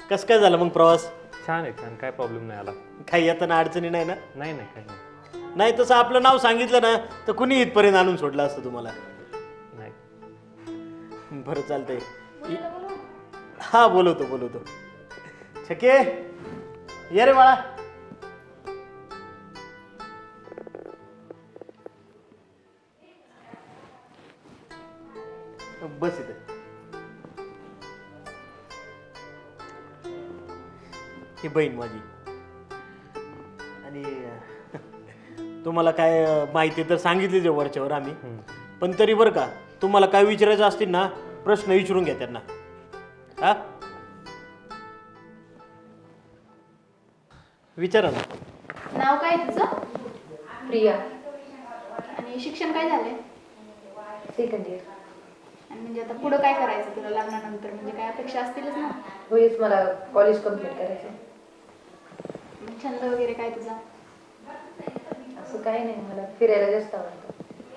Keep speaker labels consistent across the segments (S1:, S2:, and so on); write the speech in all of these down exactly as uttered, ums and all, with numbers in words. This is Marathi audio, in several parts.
S1: कसं काय झालं मग प्रवास?
S2: छान आहे छान, काय प्रॉब्लेम नाही आला.
S1: काही येताना अडचणी नाही ना?
S2: नाही नाही काही नाही.
S1: नाही तसं आपलं नाव सांगितलं ना तर कुणी इथपर्यंत आणून सोडलं असतं तुम्हाला.
S2: नाही
S1: बरं चालतंय. हा बोलवतो बोलवतो. छके ये रे बाळा. बस इथे. ही बहीण माझी. आणि तुम्हाला काय माहिती तर सांगितली वरच्यावर आम्ही, पण तरी बरं का तुम्हाला काय विचारायचं असतील ना प्रश्न विचारून घ्या त्यांना. हा विचारा ना.
S3: नाव काय तुझं?
S4: प्रिया.
S3: आणि शिक्षण काय झालंय?
S4: Second year.
S3: आणि म्हणजे आता पुढं काय करायचं तुला लग्नानंतर? म्हणजे काय अपेक्षा असतीलच ना?
S4: होईच मला कॉलेज कम्प्लीट करायचं.
S3: मग छंद वगैरे काय तुझा?
S4: असं काही नाही, मला फिरायला जास्त आवडतं.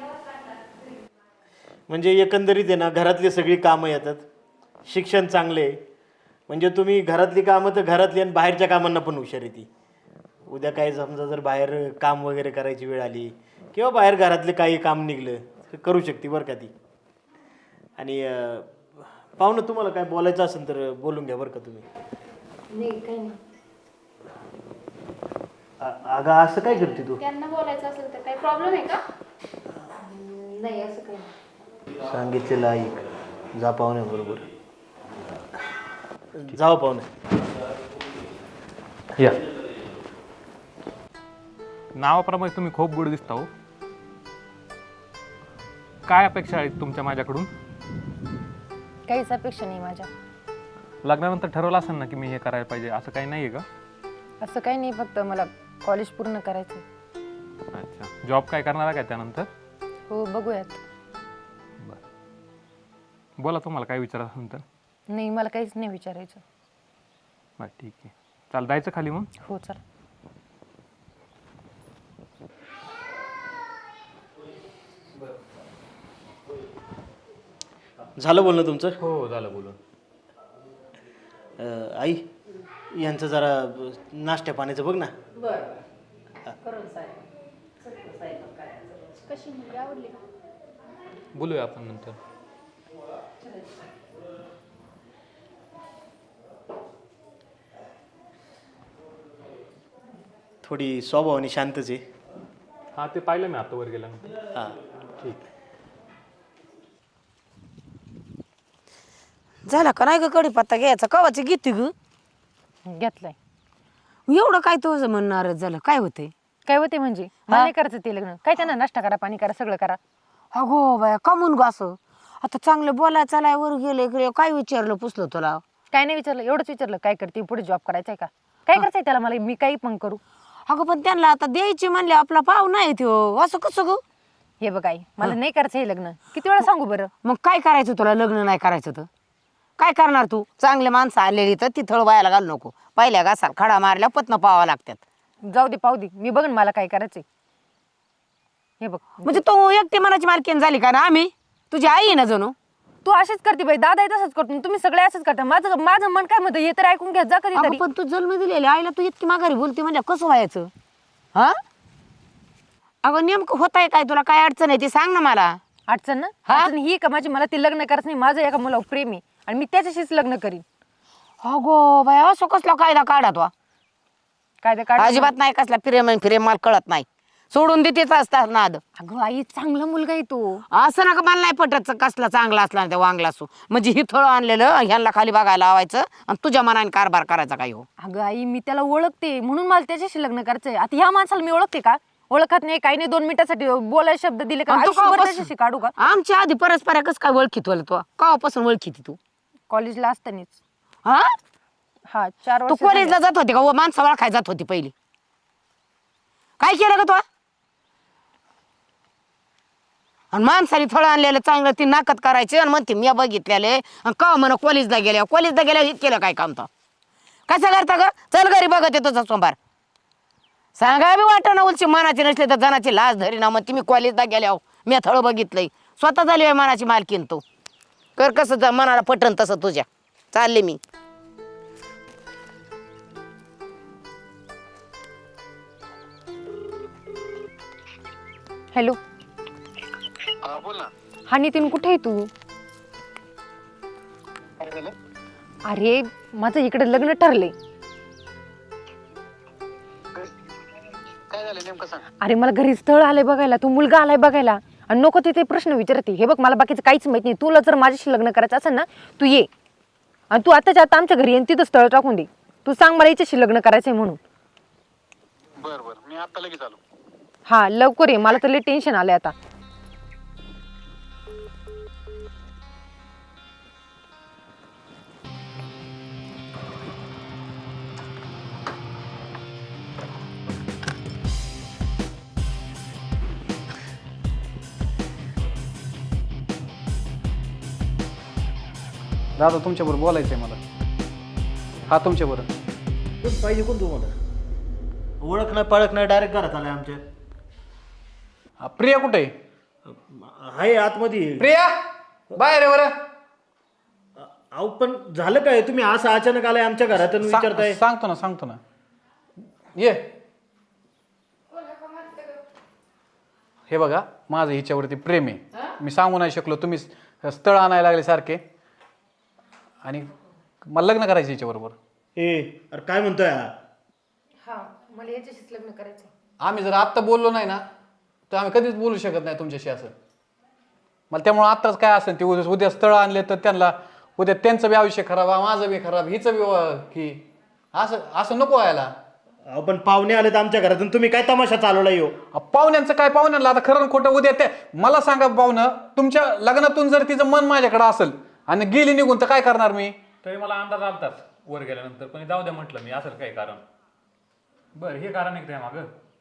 S1: म्हणजे एकंदरीत आहे ना घरातली सगळी कामं येतात, शिक्षण चांगले आहे. म्हणजे तुम्ही घरातली कामं तर घरातली आणि बाहेरच्या कामांना पण हुशार येते. उद्या काय समजा जर बाहेर काम वगैरे करायची वेळ आली किंवा बाहेर घरातले काही काम निघलं तर करू शकते बरं का ती. आणि पाहुणं तुम्हाला काय बोलायचं असेल तर बोलून घ्या बरं का तुम्ही.
S4: नाही काही नाही.
S1: अगं असं काय करते तू?
S3: त्यांना बोलायचं असेल तर काही प्रॉब्लेम आहे का?
S4: नाही असं काही नाही.
S1: सांगितलेलं ऐक. जा पाहुण्याबरोबर. जाऊ पाहुणे.
S2: या. नावाप्रमाणे तुम्ही खूप गोड दिसता हो. काय अपेक्षा आहेत तुमच्या माझ्याकडून?
S4: काहीच अपेक्षा नाही माझ्या.
S2: लग्नानंतर ठरवलं असेल ना की मी हे करायला पाहिजे, असं काही नाही आहे का?
S4: असं काही नाही, फक्त मला कॉलेज पूर्ण करायचं.
S2: अच्छा, जॉब काय करणार आहे का त्यानंतर?
S4: हो बघूयात.
S2: बरं बोला, तुम्हाला काय विचारायचं असेल तर.
S4: नाही मला काहीच नाही विचारायचं.
S2: बरं ठीक आहे, चाल जायचं खाली मग.
S4: हो चल.
S1: झालं बोलणं तुमचं?
S2: हो झालं बोलून.
S1: अं, आई यांचं जरा नाश्त्या पाण्याचं बघ ना.
S3: कशी मुलगी आवडली का?
S2: बोलूया आपण नंतर.
S1: थोडी स्वभावाने शांतच आहे.
S2: हां ते पाहिलं मी आता वर गेल्यानंतर.
S1: हां
S2: ठीक.
S5: झाला का नाही ग कढीपत्ता घ्यायचा? कवाची घेते ग?
S4: घेतलंय.
S5: एवढं काय तुझं म्हणणार झालं? काय होते?
S4: काय होते म्हणजे? मला नाही करायचं ते लग्न. काय त्यांना नाश्ता करा, पाणी करा, सगळं करा.
S5: अगो बाया कमून ग असं? आता चांगलं बोलाय चालाय वर गेले इकडे काय विचारलं पुसलं तुला?
S4: काय नाही विचारलं, एवढंच विचारलं काय करते, पुढे जॉब करायचा आहे का? काय करायचंय त्याला? मला मी काही पण करू.
S5: अगं पण त्यांना आता द्यायची म्हणले आपला पाव नाही त्यो, असं कसं ग?
S4: हे बघ आई, मला नाही करायचं हे लग्न. किती वेळा सांगू बरं?
S5: मग काय करायचं तुला? लग्न नाही करायचं तर काय करणार तू? चांगले माणसं आलेली तर ती थळ व्हायला घालू नको. पहिल्या घासाल खडा मारल्या पत्न पावा लागतात.
S4: जाऊ दे पाहू दे, मी बघन मला काय करायचंय. हे बघ,
S5: म्हणजे तू एकटी मनाची मालकीन झाली का ना? आम्ही तुझी आई आहे ना जणू.
S4: तू अशीच करते बाई, दादा तसंच करतो, तुम्ही सगळे असंच करता. माझं माझं मन काय म्हणतं हे तर ऐकून घ्या जा
S5: अगं
S4: कधीतरी.
S5: पण तू जन्म दिलेली आईला तू इतकी माघारी बोलते म्हणजे कसं व्हायचं? हा अगं नेमकं होत आहे काय? तुला काय अडचण आहे ती सांग ना मला.
S4: अडचण ना अडचण ही का माझी? मला ते लग्न करायचं नाही. माझं एका मुलावर प्रेम आहे आणि मी त्याच्याशीच लग्न करीन.
S5: अगो बाय असं कसला कायदा काढा तो?
S4: काय ते काय
S5: अजिबात नाही कसला प्रेम प्रेम मला कळत नाही. सोडून देतेच असतात नाद.
S4: अगं आई चांगला मुलगा आहे तो.
S5: असं नका मला नाही पटत कसला चांगला असला ना त्या वांगला असो. म्हणजे ही थळ आणलेलं ह्यांना खाली बघायला लावायचं आणि तुझ्या मनाने कारभार करायचा काय हो?
S4: अगं आई मी त्याला ओळखते म्हणून मला त्याच्याशी लग्न करायचंय. आता ह्या माणसाला मी ओळखते का? ओळखत नाही, काही नाही. दोन मिनिटासाठी बोलायला शब्द दिले का
S5: आणि तू
S4: आयुष्यभर
S5: केव्हापासून-
S4: त्याच्याशी काढू का?
S5: आमच्या आधी परस्पर कस काय ओळखीत होल तू? केव्हापासून ओळखीती तू?
S4: कॉलेजला असतानाच.
S5: हा
S4: हा चार
S5: तू
S4: वर्ष
S5: कॉलेजला जात होती का? व माणसा ओळखाय जात होती पहिली. काय केलं का तू? आणि माणसाने थोडं आणलेलं चांगलं ती नाकत करायची आणि म्हणते मी बघितलेले का म्हणा कॉलेजला गेल्या कॉलेजला गेल्या हे केलं काय काम? तर कसं करता ग? चल घरी बघत येतो तुझा सोमवार. सांगा बी वाटत ना उलची मनाची नसली तर जनाची लाज धरी ना. मग तुम्ही कॉलेजला गेल्या मी थोडं बघितलंय. स्वतः झाली आहे मनाची मालकीन. तू कर कसं मनाला पटन तसं तुझ्या. चालले मी.
S4: हॅलो
S6: हा बोल ना.
S4: हा नितीन, कुठे आहे तू?
S6: काय झालं?
S4: अरे माझं इकडे लग्न ठरलंय.
S6: काय झालं नेमकं सांग.
S4: अरे मला घरी स्थळ आलंय बघायला, तू मुलगा आलाय बघायला, आणि नको तिथे प्रश्न विचारते. हे बघ, मला बाकीचं काहीच माहित नाही. तुला जर माझ्याशी लग्न करायचं असेल ना, तू ये, आणि तू आताच्या आता आमच्या घरी ये, तिथं स्थळ टाकून दे. तू सांग मला याच्याशी लग्न करायचंय म्हणून.
S6: बर बर मी आता लगेच आलो.
S4: हा लवकर ये, मला तर लय टेन्शन आलंय आता.
S7: दादा तुमच्याबरोबर बोलायचं आहे मला. हा तुमच्याबरोबर.
S1: कोण पाहिजे कोण तुम्हाला? ओळख नाही पाळख नाही, डायरेक्ट घरात आलाय आमच्या.
S7: हा, प्रिया कुठे आहे?
S1: हाय आतमध्ये.
S7: प्रिया बाहेर आहे बरं.
S1: अहो पण झालं काय, तुम्ही असं अचानक आलाय आमच्या घरात आणि विचारताय?
S7: सांग- सांगतो ना सांगतो ना ये. हे बघा, माझं हिच्यावरती प्रेम आहे. मी सांगू नाही शकलो, तुम्ही स्थळ आणायला लागले सारखे, आणि मला लग्न करायचं हिच्याबरोबर.
S1: ए अरे काय म्हणतोय हा?
S4: हा, मला याच्याशीच लग्न करायचंय.
S7: आम्ही जर आत्ता बोललो नाही ना, तर आम्ही कधीच बोलू शकत नाही तुमच्याशी असं. मला त्यामुळे आत्ताच काय असेल ते उद्या उद्या स्थळ आणले तर त्यांना उद्या त्यांचं बी आयुष्य खराब, माझं बी खराब, हिचं बी व- की असं असं नको व्हायला.
S1: अहो पण पाहुणे आलेत आमच्या घरात आणि तुम्ही काय तमाशा चालवला येऊ?
S7: अ, पाहुण्यांचं काय, पाहुण्यांना आता खरं न खोटं उद्या ते मला सांगा. पाहुणं तुमच्या लग्नातून जर तिचं मन माझ्याकडे असेल आणि गेली निघून, तर काय करणार मी?
S2: तरी मला अंदाज आलताच वर गेल्यानंतर, पण जाऊ द्या म्हटलं मी, असेल काही कारण. बरं, हे कारण आहे मागं.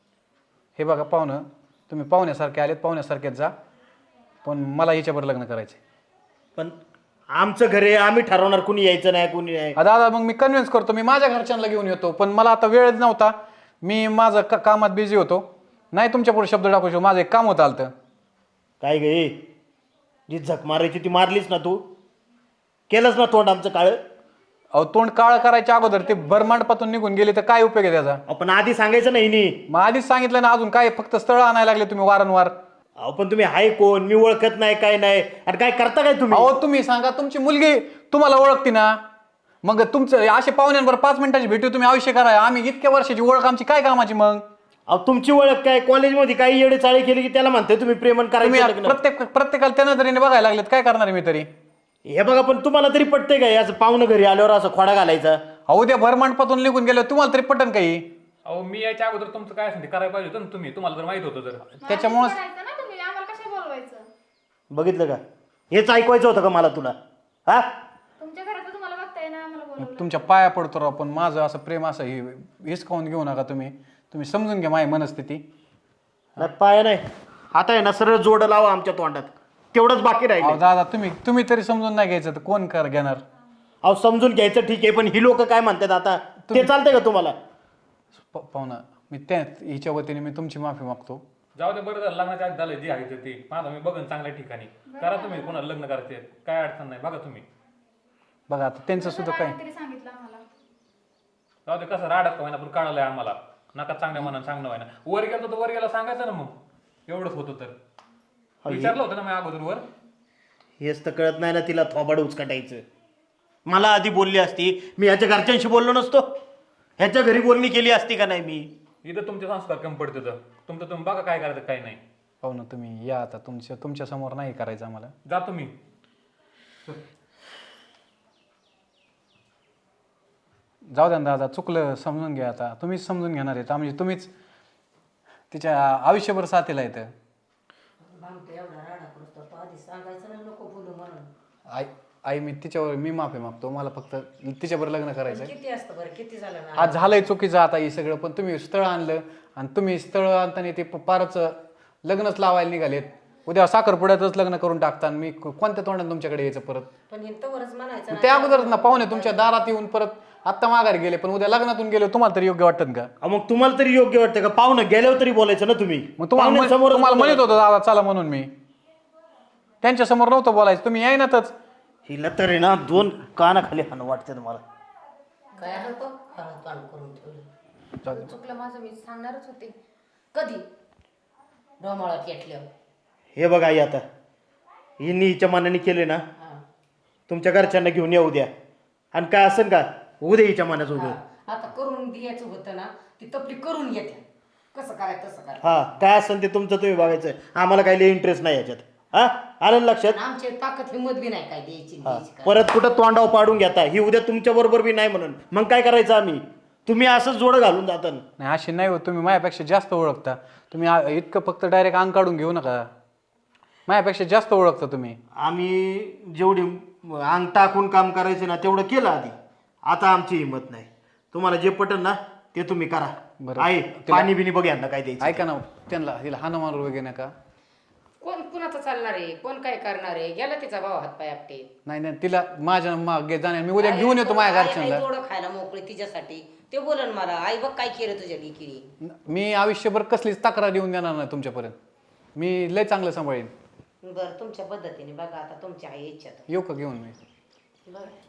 S7: हे बघा पाहुणं, तुम्ही पाहुण्यासारखे आलेत, पाहुण्यासारखेच जा, पण मला हिच्याबरोबर लग्न करायचे.
S1: पण आमचं घर आहे, आम्ही ठरवणार कुणी यायचं नाही कुणी नाही.
S7: आ, दादा मग मी कन्व्हिन्स करतो, मी माझ्या घरच्यांना घेऊन येतो, पण मला आता वेळच नव्हता. मी माझं का कामात बिझी होतो, नाही तुमच्यापुढे शब्द टाकू शकतो. माझं एक काम होतं आलतं.
S1: काय गे, जी झक मारायची ती मारलीस ना तू, केलंच ना तोंड आमचं काळ.
S7: अहो तोंड काळ करायच्या अगोदर ते भरमांडपातून निघून गेले तर काय उपयोग आहे त्याचा?
S1: आपण आधी सांगायचं नाही नी.
S7: मग आधीच सांगितलं ना, अजून काय फक्त स्थळ आणायला लागले तुम्ही वारंवार.
S1: अहो पण तुम्ही हाय कोण, मी ओळखत नाही काय नाही, आणि काय करता काय तुम्ही?
S7: अहो तुम्ही सांगा, तुमची मुलगी तुम्हाला ओळखते ना, मग तुमचं असे पाहुण्यांवर पाच मिनिटाची भेटू तुम्ही आयुष्य करा. आम्ही इतक्या वर्षाची ओळख आमची काय कामाची मग?
S1: अहो तुमची ओळख काय, कॉलेजमध्ये काही येडे चाळी केली की त्याला म्हणते तुम्ही प्रेमन
S7: तुम्ही
S1: करायचं लग्न.
S7: प्रत्येक प्रत्येकाला त्या नजरेने बघायला लागलेत, काय करणार आहे मी तरी?
S1: हे बघा, पण तुम्हाला तरी पटतंय काय असं पाहुणं घरी आल्यावर असं खोडा घालायचा?
S7: अहो उद्या भरमांडपातून निघून गेलो, तुम्हाला तरी पटन काही?
S2: अहो मी याच्या अगोदर तुमचं काय असेल ते करायला पाहिजे होतं ना तुम्ही, तुम्हाला जर माहित होतं तर.
S7: त्याच्यामुळं
S3: करायचं ना तुम्ही, आम्हाला कशा बोलवायचं?
S1: बघितलं का, हेच ऐकवायचं होतं का मला तुला? हा,
S3: तुमच्या घरात तुम्हाला बघताय ना, आम्हाला बोलवलं.
S7: तुमच्या पाया पडतो राव, पण माझं असं प्रेम असं हे हिसकावून घेऊ नका तुम्ही. तुम्ही समजून घ्या माझी मनस्थिती.
S1: नाही पाय नाही, आता आहे ना सरळ जोड लावा आमच्या तोंडात, तेवढंच बाकी
S7: अहो
S1: राहिलं.
S7: दादा तुम्ही तुम्ही तरी समजून नाही घ्यायचं तर कोण कर घेणार?
S1: अहो समजून घ्यायचं ठीक आहे, पण ही लोक काय म्हणतात आता, ते चालतंय का तुम्हाला?
S7: प- पाहुणा, मी त्या हिच्या वतीने मी तुमची माफी मागतो.
S2: जाऊ दे, बरं झालं लग्नाच्या आधी झालं जे आहे ते ते. माझा मी बघन चांगल्या ठिकाणी करा तुम्ही, कोणाला लग्न करायचे काय अडचण नाही, बघा तुम्ही.
S7: बघा आता त्यांचं सुद्धा काय.
S3: तरी सांगितलं आम्हाला.
S2: जाऊ दे, कसं राडत का व्हायना पण कळालंय आम्हाला. नका चांगल्या मनानं सांगणं व्हायना. वर गेलो तर वर गेला सांगायचं ना, मग एवढंच होतं तर. विचारलं होतं ना मी अगोदर वर.
S1: हेच तर कळत नाही ना तिला, थोबाड उचकटायचं. मला आधी बोलली असती, मी ह्याच्या घरच्यांशी बोललो नसतो, ह्याच्या घरी बोलणी केली असती का नाही मी?
S2: इथं तुमचे संस्कार कमी पडते तर तुमचं तुम्ही बघा काय करायचं काय नाही.
S7: पाहुणा तुम्ही या आता, तुमच्या तुमच्या समोर नाही करायचं आम्हाला.
S2: जा तुम्ही.
S7: जाऊ द्या ना दादा, चुकलं समजून घ्या. आता तुम्हीच समजून घेणार आहेत, म्हणजे तुम्हीच तिच्या आयुष्यभर साथीला येतं. आई आई मी तिच्यावर मी माफी मागतो, मला फक्त तिच्यावर लग्न करायचं.
S5: किती असतं बरं, किती झालं ना?
S7: आज झालंय चुकीचं आता हे सगळं, पण तुम्ही स्थळ आणलं आणि तुम्ही स्थळ आणताना ते पारच लग्नच लावायला निघालेत. उद्या साखरपुड्यातच लग्न करून टाकता, मी कोणत्या तोंडाने तुमच्याकडे यायचं परत?
S5: पण हिंतवरच म्हणायचं ना.
S7: त्या अगोदरच ना पाहुणे तुमच्या दारात येऊन परत आत्ता माघारी गेले, पण उद्या लग्नातून गेले, तुम्हाला तरी योग्य वाटतं का?
S1: अहो, मग तुम्हाला तरी योग्य वाटतं का? पाहुणं गेल्यावर तरी बोलायचं ना तुम्ही.
S7: मग तुम्हाला म्हण-
S1: पाहुण्यांसमोरच
S7: तुम्हाला म्हणत
S1: बोलायचं.
S7: होतं दादा चला म्हणून, मी त्यांच्या समोर नव्हतं बोलायचं, तुम्ही यायनातच.
S1: हिला तर आहे ना दोन कानाखाली हाणं वाटतं मला.
S5: काय होतं खरं कान करून ठेवलं.
S4: चुकलं माझं, मी सांगणारच होते. कधी
S5: डोमाळा पेटल्यावर
S1: हे बघा आई आता हिनी हिच्या मनाने केले ना तुमच्या घरच्यांना घेऊन येऊ द्या आणि काय असेल का उद्या हिच्या मनाचं उद्या
S5: आता करून द्यायचं होतं ना ती तपली करून घेते कसं करायचं तसं करायचं
S1: हा काय असेल ते तुमचं तुम्ही बघायचं आम्हाला काही इंटरेस्ट नाही याच्यात हा आलं ना लक्षात
S5: आमची ताकद हिंमत बी नाही काय द्यायची
S1: हा.
S5: द्यायची काय.
S1: परत कुठं तोंडाव पाडून घेता ही उद्या तुमच्या बरोबर बी नाही म्हणून मग काय करायचं आम्ही तुम्ही असंच जोड घालून जाता ना.
S7: नाही अशी नाही होत, तुम्ही माझ्यापेक्षा जास्त ओळखता. तुम्ही आ- इतकं फक्त डायरेक्ट अंग काढून घेऊ नका. माझ्यापेक्षा जास्त ओळखता तुम्ही.
S1: आम्ही जेवढी अंग टाकून काम करायचं ना तेवढं केलं आधी. आता आमची हिंमत नाही. तुम्हाला जे पटन ना ते तुम्ही करा.
S7: बरं.
S1: आहे पाणी बिनी बघ यांना काय द्यायचं.
S7: ऐका ना, त्यांना तिला हाना मारू वगैरे नका.
S5: कोण कुणाचं चालणार आहे, कोण काय करणार आहे, गेला तिचा भाव हात पाय आपटे.
S7: नाही नाही, तिला माझ्या मागे जाण्या मी उद्या घेऊन येतो माझ्या घरच्यांना.
S5: थोडं खायला मोकळी तिच्यासाठी ते बोलन मला, आई बघ काय केलं तुझ्या लेकीने.
S7: मी आयुष्यभर कसलीच तक्रार येऊन देणार नाही तुमच्यापर्यंत. मी लय चांगलं सांभाळीन.
S5: बरं तुमच्या पद्धतीने बघा आता, तुमच्या आई इच्छा.
S7: येऊ का घेऊन मी?
S5: बरं